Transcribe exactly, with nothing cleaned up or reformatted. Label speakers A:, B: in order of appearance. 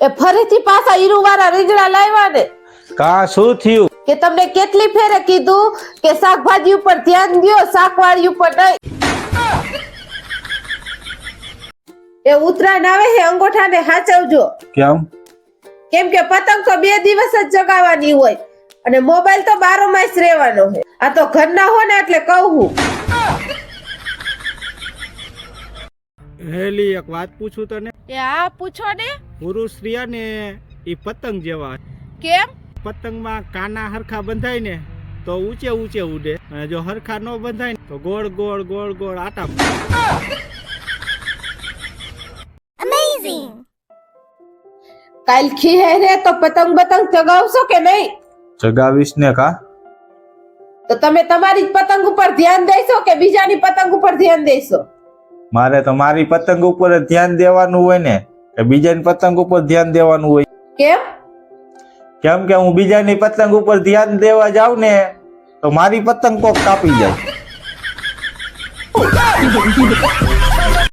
A: એ ફરીથી પાછા ઈરુવાળા રીંગણા લાવ્યા ને
B: કા શું થયું?
A: કે તમને કેટલી ફેરે કીધું કે શાકભાજી ઉપર ધ્યાન દ્યો, શાકવાળી ઉપર નહીં. એ ઉતરાણ આવે છે અંગોઠાને સાચવજો.
B: કેમ?
A: કેમ કે પતંગ તો બે દિવસ જ જગાવવાની હોય અને મોબાઈલ તો બારો માસ રહેવાનો છે. આ તો ઘરના હો ને એટલે કહું.
C: હેલી એક વાત પૂછું તને.
A: એ હા પૂછો ને.
C: પુરુષ રહ્યા ને એ પતંગ જેવા.
A: કેમ?
C: પતંગમાં કાના હરખા બંધાય ને તો ઊંચે ઊંચે ઉડે, અને જો હરખા ન બંધાય ને તો ગોળ ગોળ ગોળ ગોળ આટા.
A: અમેઝિંગ. કાલ ખીહે રે તો પતંગ બતંગ ચગાવશો કે નહીં?
B: જગાવીશ ને કા.
A: તો તમે તમારી જ પતંગ ઉપર ધ્યાન દેશો કે બીજાની પતંગ ઉપર ધ્યાન દેશો?
B: મારે તો મારી પતંગ ઉપર જ ધ્યાન દેવાનું હોય ને કે બીજાની પતંગ ઉપર ધ્યાન દેવાનું હોય?
A: કેમ?
B: કેમ કે હું બીજાની પતંગ ઉપર ધ્યાન દેવા જાઉં ને તો મારી પતંગ કોક કાપી જાય.